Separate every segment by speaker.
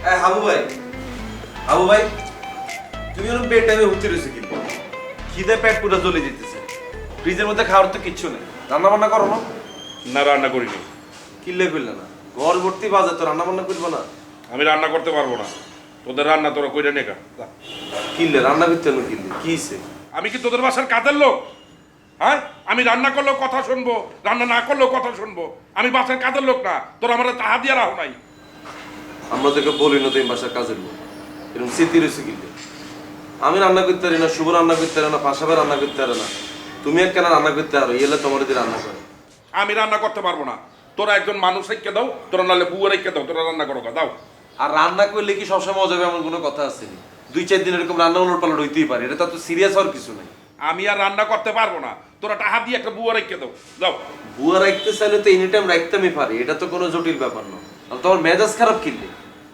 Speaker 1: হাবু ভাই, হাবু ভাই, তুমি ওরকম পেট টাইমে উঠতে রয়েছে কিন্তু খিদে পেট পুরো জ্বলে যেতেছে। ফ্রিজের মধ্যে খাওয়ার তো কিচ্ছু নেই। রান্না বান্না করো না?
Speaker 2: না, রান্না করিনি।
Speaker 1: কিনলে করলে না, ঘর ভর্তি বাজার, তো রান্না বান্না করবো না?
Speaker 2: আমি রান্না করতে পারবো না, তোদের রান্না তোরা কইরা নেকা।
Speaker 1: কিনলে রান্না করতে হলো, কিনলে কি হইছে?
Speaker 2: আমি কি তোদের বাসার কাজের লোক? হ্যাঁ, আমি রান্না করলেও কথা শুনবো, রান্না না করলেও কথা শুনবো। আমি বাসার কাজের লোক না, তোরা আমার তাহা দিয়া রাখো নাই।
Speaker 1: আমরা তোকে বলি না তুমি বাসার কাজের লোক, এরকম স্মৃতি রয়েছে কিনলে। আমি রান্না করতে পারি না, শুভ রান্না করতে পারে না, পাশাপাশি রান্না করতে পারে না, তুমি এক কেন রান্না করতে পারো? এলে তোমার দিয়ে রান্না করে।
Speaker 2: আমি রান্না করতে পারবো না, তোরা একজন মানুষ রেখে দাও, তোরা নাহলে বুয়া রেখে দাও, তোরা রান্না করো দাও।
Speaker 1: আর রান্না করলে কি সবসময় মজা হবে এমন কোনো কথা আছে? 2-4 দিন এরকম রান্না উলট পালট হইতেই পারে, এটা তো সিরিয়াস হওয়ার কিছু নেই।
Speaker 2: আমি আর রান্না করতে পারবো না, তোরা টাকা দিয়ে একটা বুয়া রেখে দাও দাও।
Speaker 1: বুয়া রাখতে চাইলে তো এনি টাইম রাখতেই পারি, এটা তো কোনো জটিল ব্যাপার না। আর তোমার মেজাজ খারাপ কিনলে।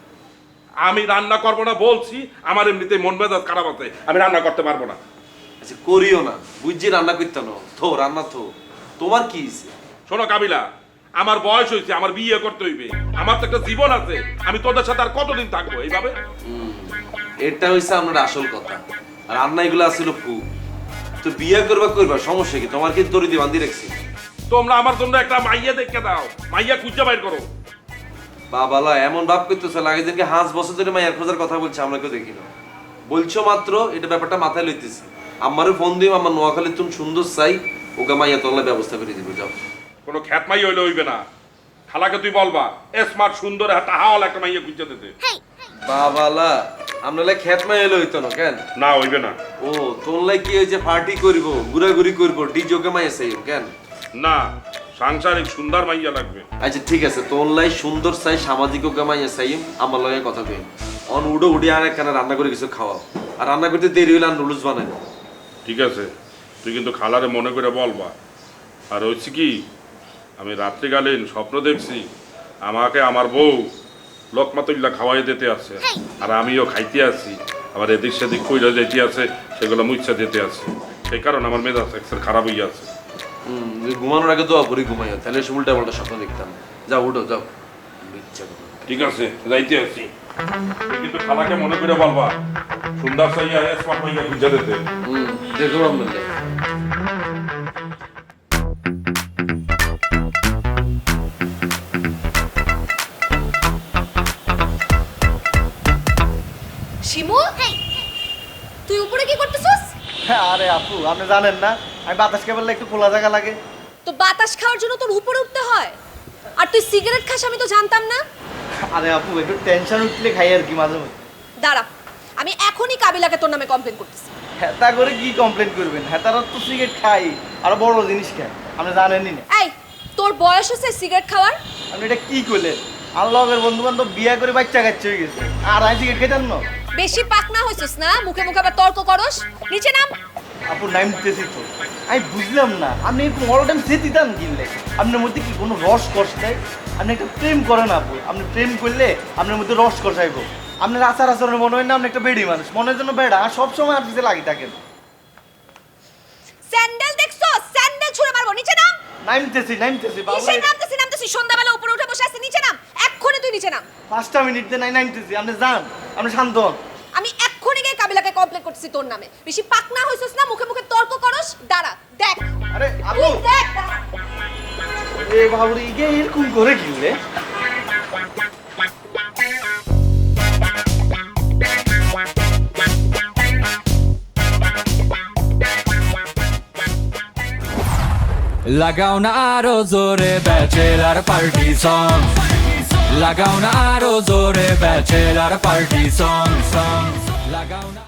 Speaker 2: আমি রান্না করবো না বলছি, আমার এমনিতে মন মেজাজ খারাপ আছে, আমি রান্না করতে পারবো না।
Speaker 1: আচ্ছা করিও না, বুঝছি রান্না করতে না, থো রান্না থো। তোমার কি হয়েছে?
Speaker 2: শোনো কাবিলা, আমার বয়স হয়েছে, আমার বিয়ে করতে হইবে, আমার তো একটা জীবন আছে, আমি তোদের সাথে আর কতদিন থাকবো এইভাবে?
Speaker 1: এটা হইছে আমার আসল কথা। আর রান্না এগুলো আসলে ফু। তো বিয়ে করবা সমস্যা কি? তোমার কি দড়ি দিয়ে বান্ধি রাখছি?
Speaker 2: তোমরা আমার জন্য একটা মাইয়া দেখে দাও, মাইয়া খুঁজে বাইর করো।
Speaker 1: বাবালা এমন ভাব করতেছে লাগে যেন কি 5 বছর ধরে মায়ের খোঁজার কথা বলছে, আমরা কেউ দেখি না। বলছো মাত্র, এটা ব্যাপারটা মাথায় লইতেছি। আমারও ফোন দিই, আমার নোয়াখালী তুমি সুন্দর চাই, ওকে মাইয়া তোলার ব্যবস্থা করে দিব। যাও।
Speaker 2: কোনো খ্যাত মাইয়া হইলে হইবে না, খালাকে তুই বলবা স্মার্ট সুন্দর টাহাওয়ালা একটা মাইয়া খুঁজে দিতে।
Speaker 1: বাবালা আমরা খেত মাই এলো হইতো না কেন?
Speaker 2: না হইবে না।
Speaker 1: ও তোলাই কি হয়েছে, পার্টি করব, ঘুরাঘুরি করবো, ডিজোকে মাইয়া চাই কেন?
Speaker 2: না, সাংসারিক সুন্দর মাইয়া লাগবে।
Speaker 1: আচ্ছা ঠিক আছে, তোলাই সুন্দর চাই, সামাজিক ওকে মাইয়া চাই, আমার লগে কথা কই। অন উডো উডি আর একখানা রান্না করে কিছু খাওয়াও। আর রান্না করতে দেরি হইলে আর নুডলস বানাই।
Speaker 2: ঠিক আছে, তুই কিন্তু খালারে মনে করে বলবা। আর হচ্ছে কি, আমি রাত্রিকালীন স্বপ্ন দেখছি আমাকে আমার বউ লোকমাতুল্লা খাওয়াই দিতে আছে, আর আমিও খাইতে আছি, আবার এদিক সেদিক কইরা যেতে আছে, সেগুলো মুচ্ছা দিতে আছে। সেই কারণে আমার মেজাজ এক্সের খারাপ হয়ে আছে।
Speaker 1: ঘুমানোর আগে দোয়া করি ঘুমাইও, তাহলে সে উল্টা পাল্টা স্বপ্ন দেখতাম। যাও উঠো যাও।
Speaker 2: ঠিক আছে, যাইতে আছি, কিন্তু খালাকে মনে করে বলবা সুন্দর সাইয়া স্মার্ট মাইয়া খুঁজে দিতে।
Speaker 1: দেখো আমরা
Speaker 3: শিমু, তুই উপরে কি করতেছস?
Speaker 4: আরে আপু, আপনি জানেন না আমি বাতাস কেবল একটু খোলা জায়গা লাগে।
Speaker 3: তো বাতাস খাওয়ার জন্য তোর উপরে উঠতে হয়, আর তুই সিগারেট খাস আমি তো জানতাম না।
Speaker 4: আরে আপু, একটু টেনশন উঠলে খাই আর কি মাঝে মাঝে।
Speaker 3: দাঁড়া, আমি এখনই কাবিলাকে তোর নামে কমপ্লেন করতেছি।
Speaker 4: হেতা করে কি কমপ্লেন করবেন? হেতারা তো সিগারেট খাই, আর বড় জিনিস খায়, আপনি জানেনই না।
Speaker 3: এই, তোর বয়স হচ্ছে সিগারেট খাওয়ার?
Speaker 4: আপনি এটা কি করলেন? আল্লাহের বন্ধু বান্ধব বিয়া করে বাচ্চা কাচ্চা হয়ে গেছে, আর আমি সিগারেট খাইতেন না?
Speaker 3: বেশি পাকনা হইছিস না, মুখে মুখে আবার তর্ক করস। নিচে নাম।
Speaker 4: আপু নাম দিতেছি তো, আমি বুঝলাম না আপনি অল টাইম সে দিতাম কিনলে আপনার মধ্যে কি কোনো রস কষ নাই? আপনি একটা প্রেম করেন আপু, আপনি প্রেম করলে আপনার মধ্যে রস কষাইব। আপনার আচার আচরণে মনে হয় না আপনি একটা বেড়ি মানুষ, মনের জন্য বেড়া, আর সবসময় আপনি লাগি থাকেন।
Speaker 3: স্যান্ডেল দেখছো? স্যান্ডেল ছুঁড়ে মারবো। নিচে নাম।
Speaker 4: নামতেছি বাবু,
Speaker 3: কিসের নামতেছি? সন্ধ্যাবেলা উপরে উঠে বসে আছে, নিচে নাম। এক্ষুনি তুই নিচে নাম।
Speaker 4: 5টা মিনিট দিয়ে নামতেছি, আপনি যান, আপনি শান্ত হন।
Speaker 3: আমি এক্ষুনি গিয়ে কাবিলাকে কমপ্লেন করতেছি তোর নামে। বেশি পাকনা হইছিস না, মুখে মুখে তর্ক করস। দাঁড়া, দেখ।
Speaker 4: আরে আপু,
Speaker 3: তুই দেখ, দাঁড়া।
Speaker 4: এ বাবুরে ইগে এরকম করে কিনলে?
Speaker 5: লাগাও না আরো জোরে ব্যাচেলার পার্টি সং, লাগাও না আরো জোরে ব্যাচেলার পার্টি সং, লাগাও না।